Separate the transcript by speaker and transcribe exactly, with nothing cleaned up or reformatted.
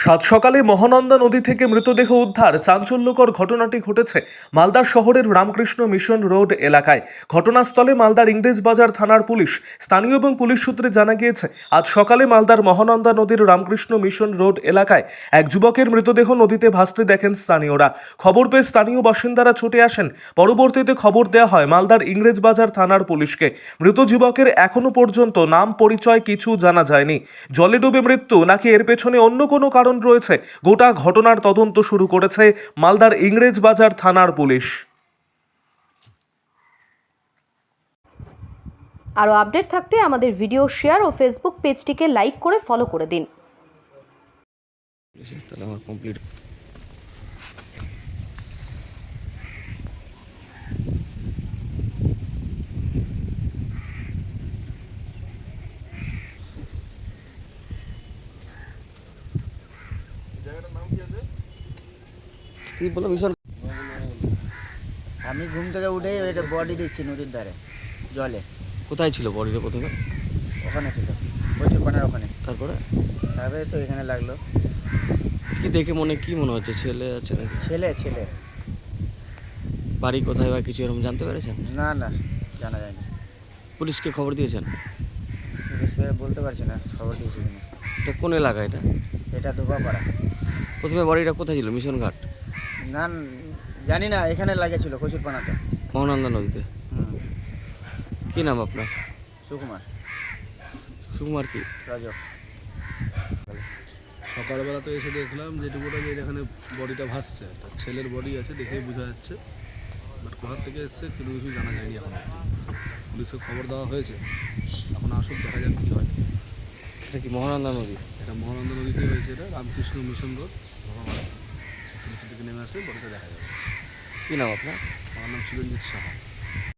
Speaker 1: সাত সকালে মহানন্দা নদী থেকে মৃতদেহ উদ্ধার। চাঞ্চল্যকর ঘটনাটি ঘটেছে মালদা শহরের রামকৃষ্ণ মিশন রোড এলাকায়। ঘটনাস্থলে মালদার ইংরেজবাজার থানার পুলিশ। স্থানীয় এবং পুলিশ সূত্রে জানা গিয়েছে, আজ সকালে মালদার মহানন্দা নদীর রামকৃষ্ণ মিশন রোড এলাকায় এক যুবকের মৃতদেহ নদীতে ভাসতে দেখেন স্থানীয়রা। খবর পেয়ে স্থানীয় বাসিন্দারা ছুটে আসেন। পরবর্তীতে খবর দেওয়া হয় মালদার ইংরেজবাজার থানার পুলিশকে। মৃত যুবকের এখনো পর্যন্ত নাম পরিচয় কিছু জানা যায়নি। জলে ডুবে মৃত্যু নাকি এর পেছনে অন্য কোনো কারণ রয়েছে, গোটা ঘটনার তদন্ত শুরু করেছে মালদার ইংরেজবাজার থানার পুলিশ।
Speaker 2: আরও আপডেট থাকতে আমাদের ভিডিও শেয়ার ও ফেসবুক পেজটিকে লাইক করে ফলো করে দিন।
Speaker 3: তাহলে আমার কমপ্লিট। কি বলো মিশন?
Speaker 4: আমি ঘুম থেকে উঠে এটা বডি দেখছি নদীর ধারে জলে।
Speaker 3: কোথায় ছিল বডিটা প্রথমে?
Speaker 4: ওখানে ছিল প্রচুর পানের ওখানে।
Speaker 3: তারপরে
Speaker 4: তারপরে তো এখানে লাগলো।
Speaker 3: কি দেখে মনে কি মনে হচ্ছে? ছেলে আছে নাকি?
Speaker 4: ছেলে ছেলে
Speaker 3: বাড়ি কোথায় বা কিছু এরকম জানতে পেরেছেন?
Speaker 4: না না জানা যায়নি।
Speaker 3: পুলিশকে খবর দিয়েছেন?
Speaker 4: পুলিশকে বলতে পারছি না খবর দিয়েছি কিনা।
Speaker 3: এটা কোন এলাকা এটা?
Speaker 4: এটা ধোপাপাড়া।
Speaker 3: প্রথমে বডিটা কোথায় ছিল? মিশন ঘাট?
Speaker 4: না জানি না, এখানে লাগেছিল প্রচুর পানাতে।
Speaker 3: মহানন্দা নদীতে।
Speaker 4: হুম।
Speaker 3: কি নাম আপনার?
Speaker 4: সুকুমার
Speaker 3: সুকুমার কি?
Speaker 4: রাজক।
Speaker 5: সকালবেলা তো এসে দেখলাম যেটুকুটা যে এখানে বডিটা ভাসছে, একটা ছেলের বডি আছে দেখেই বোঝা যাচ্ছে, বাট কোথা থেকে এসছে কিন্তু কিছু জানা যায়নি এখন। পুলিশকে খবর দেওয়া হয়েছে, এখন আসুক দেখা যাক কী হয়।
Speaker 3: এটা কি মহানন্দা নদী?
Speaker 5: এটা মহানন্দা নদীতে হয়েছে, এটা রামকৃষ্ণ মিশন রোড ভগবান থেকে নেমে আসলে বডিটা দেখা যাবে।
Speaker 3: কী নাম আপনার?
Speaker 5: আমার নাম চিরঞ্জিত সাহা।